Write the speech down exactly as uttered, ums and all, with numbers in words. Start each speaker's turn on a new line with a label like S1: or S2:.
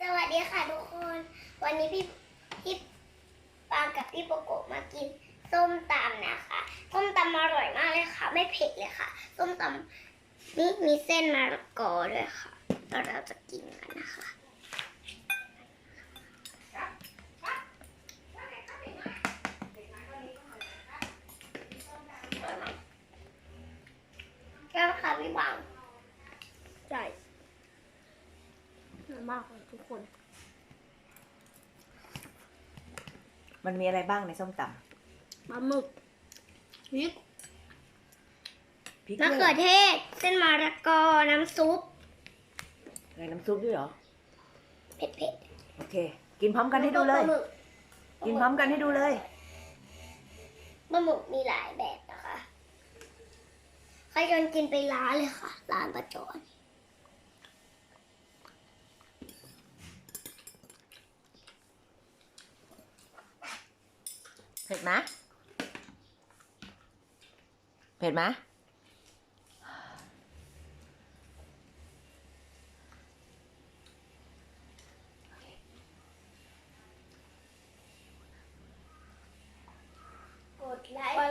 S1: วัสดีค่ะทุกคน วันนี้พี่พี่ปางกับพี่โปโกะมากินส้มตำนะคะส้มตำอร่อยมากเลยค่ะไม่เผ็ดเลยค่ะส้มตำนี่มีเส้นมะละกอด้วยค่ะแล้วเราจะกินกันนะคะแก้วค่ะพี่บางใช่มากเลยทุกคน
S2: มันมีอะไรบ้างในส้มต
S1: ปลาหมึกพริก
S2: ำพริก
S1: มะเขือเทศเส้นมะละกอน้ำซุป
S2: อะไรน้ำซุปด้วยเหรอ
S1: เผ็ด
S2: โอเค กินพร้อมกันให้ดูเลย กินพร้อมกันให้ดูเลย
S1: ปลาหมึกมีหลายแบบนะคะใครจนกินไปร้านเลยค่ะ ร้านประจอน
S2: เผ็ดไหมเผ็ดไหม
S1: กดไลค์
S2: ก